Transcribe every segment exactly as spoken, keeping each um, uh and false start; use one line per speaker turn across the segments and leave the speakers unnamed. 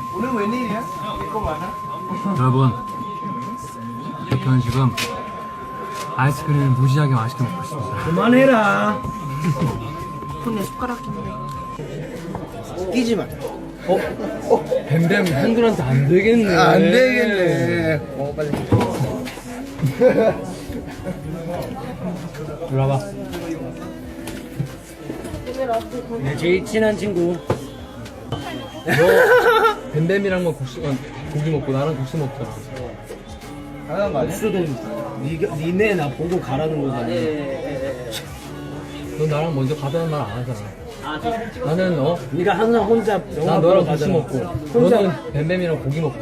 오늘 웬일이야? 이거 많아?
여러분, 저는 지금 아이스크림을 무지하게 맛있게 먹고 있습니다.
그만해라.
손에 숟가락 끼는데.
끼지 마.
어? 어? 뱀뱀 한글한테 안 되겠네.
아, 안 되겠네. 어, 빨리.
이리 와봐.
내 제일 친한 친구.
너 뱀뱀이랑만 국수, 아, 고기 먹고 나랑 국수 먹잖아.
하나만 말해? 수도 니가, 니네 나 보고 가라는 거잖아.
너 나랑 먼저 가자는 말 안 하잖아. 나는 어?
니가 항상 혼자 영화
난
보러
너랑 국수
가잖아.
먹고
혼자,
너는 뱀뱀이랑 고기 먹고.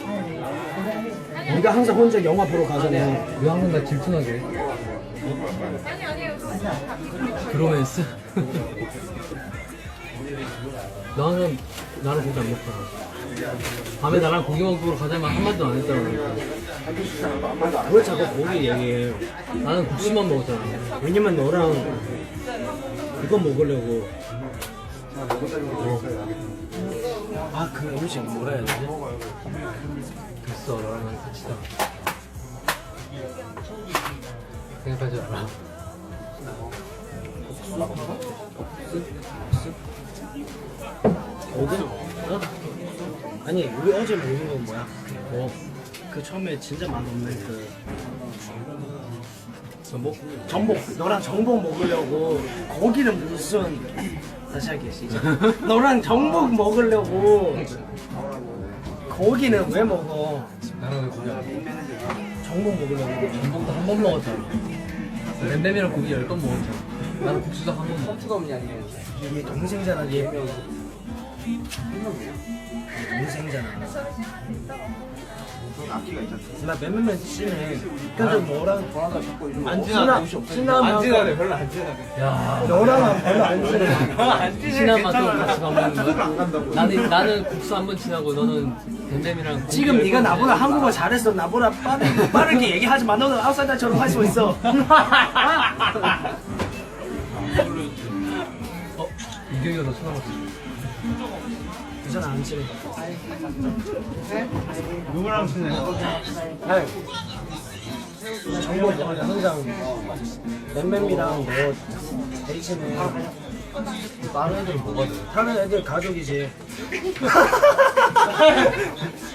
니가 항상 혼자 영화 보러 가잖아.
왜 항상 나 질투나게 해? 브로맨스? 너 항상 나랑 고기 안 먹잖아. 밤에 나랑 고기 먹으러 가자면 한마디도 안 했잖아.
왜 자꾸 고기 얘기해?
나는 국수만 먹었잖아.
왜냐면 너랑 이거 먹으려고. 아, 그 음식 뭐라 해야 되지?
됐어, 너랑 난 끝이다. 생각하지 마라.
어디? 어? 아니, 우리 어제 먹은 건 뭐야?
뭐?
그 처음에 진짜 맛없는 그
전복?
전복. 너랑 전복 먹으려고 거기는 무슨 다시 할게 시작. 너랑 전복 먹으려고 거기는 왜 먹어?
나랑 왜 고기 안 먹어?
전복 먹으려고.
전복도 한 번 먹었잖아. 뱀뱀이랑 고기 열 번 먹었잖아. 나는 국수도 한 번 먹었어.
얘 동생잖아, 얘. 동생이잖아. 나 맨맨맨 심해. 그래서 너랑 안 친하, 친하면
별로 안 친하게. 야,
너랑 별로 안 친해.
친한 맛도 같이 밥 먹는 거야? 나는, 나는 국수 한 번 친하고 너는 뱀뱀이랑 고기
지금
열
네가
번
나보다
먹었어.
한국어 잘했어. 나보다 빠르게, 빠르게 얘기하지 마. 너는 아웃사이더처럼 할 수 있어.
어? 이경이가 더 쳐다봤어.
괜찮아, 안 친해.
누구랑 친해?
정보 먹으려 항상 맴맴이랑 너 제일 친해.
다른 애들은 뭐가 돼?
다른 애들 가족이지.